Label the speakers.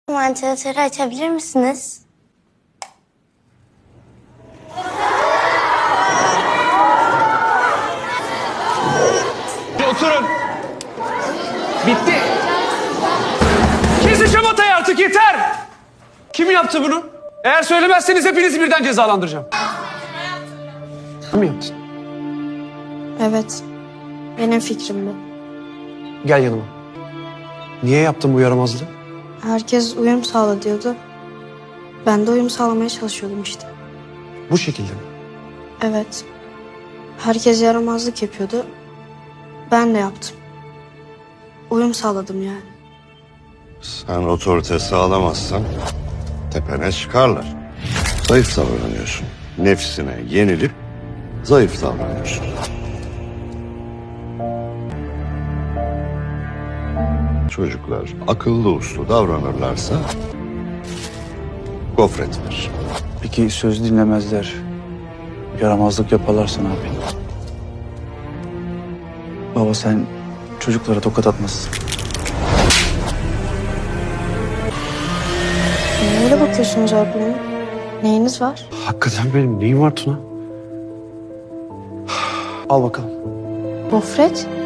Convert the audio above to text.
Speaker 1: Vantilatörü açabilir misiniz?
Speaker 2: Oturun. Bitti. Kesin şamatayı artık, yeter. Kim yaptı bunu? Eğer söylemezseniz hepinizi birden cezalandıracağım. Kim mi yaptın?
Speaker 3: Evet. Benim fikrim bu.
Speaker 2: Gel yanıma. Niye yaptın bu yaramazlığı?
Speaker 3: Herkes uyum sağla diyordu. Ben de uyum sağlamaya çalışıyordum işte.
Speaker 2: Bu şekilde mi?
Speaker 3: Evet. Herkes yaramazlık yapıyordu. Ben de yaptım. Uyum sağladım yani.
Speaker 4: Sen otorite sağlamazsan tepene çıkarlar. Zayıf davranıyorsun. Nefsine yenilip zayıf davranıyorsun. Çocuklar akıllı uslu davranırlarsa gofret verir.
Speaker 5: Peki söz dinlemezler, yaramazlık yaparlarsa ne yapayım? Baba sen çocuklara tokat atmazsın.
Speaker 3: Niye öyle bakıyorsunuz öğretmenim? Neyiniz var?
Speaker 2: Hakikaten benim neyim var Tuna? Al bakalım.
Speaker 3: Gofret?